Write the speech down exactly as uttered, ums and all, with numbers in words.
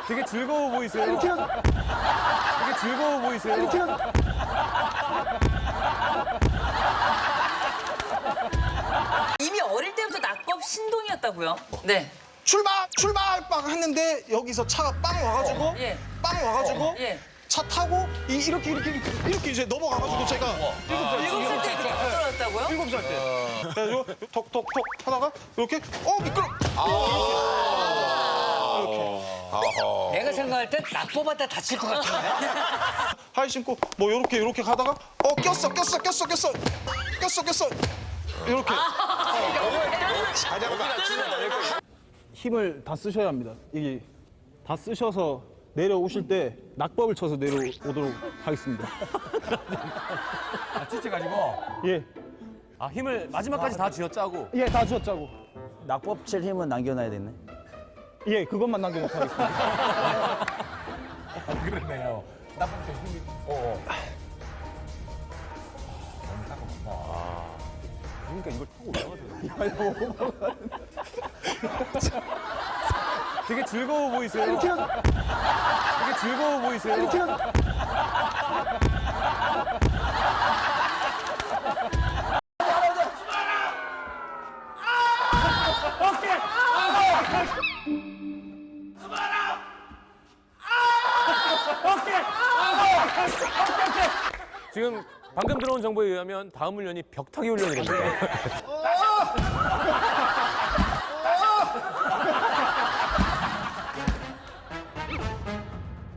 되게 즐거워 보이세요. 되게 즐거워 보이세요. 이미 어릴 때부터 낙법 신동이었다고요? 네. 출발! 출발! 빵 했는데 여기서 차가 빵 와가지고 예. 빵 와가지고 예. 차 타고 이, 이렇게 이렇게 이렇게 이렇게 이제 넘어가가지고 제가 일곱 살 때 그렇게 떨어졌다고요? 일곱 살 때. 그래가지고 톡톡톡 하다가 이렇게 어 미끄러. 내가 생각할 땐 낙법하다 다칠 것 같은데? 하이 신고 뭐 이렇게 이렇게 가다가 어 꼈어 꼈어 꼈어 꼈어 꼈어 꼈어 이렇게. 힘을 다 쓰셔야 합니다. 이게 다 쓰셔서 내려오실 때 낙법을 쳐서 내려오도록 하겠습니다. 아, 지쳐가지고. 예, 아, 힘을 마지막까지 다 쥐어짜고. 예, 다 쥐었자고. 낙법 칠 힘은 남겨놔야 되네. 예, 그것만 남겨놓고 하겠습니다. 그렇네요. 나쁜 때 힘이. 어. 어. 그러니까 이걸 타고 올라가세요. 되게 즐거워 보이세요. 되게 즐거워 보이세요. 지금 방금 들어온 정보에 의하면 다음 훈련이 벽타기 훈련이랍니다.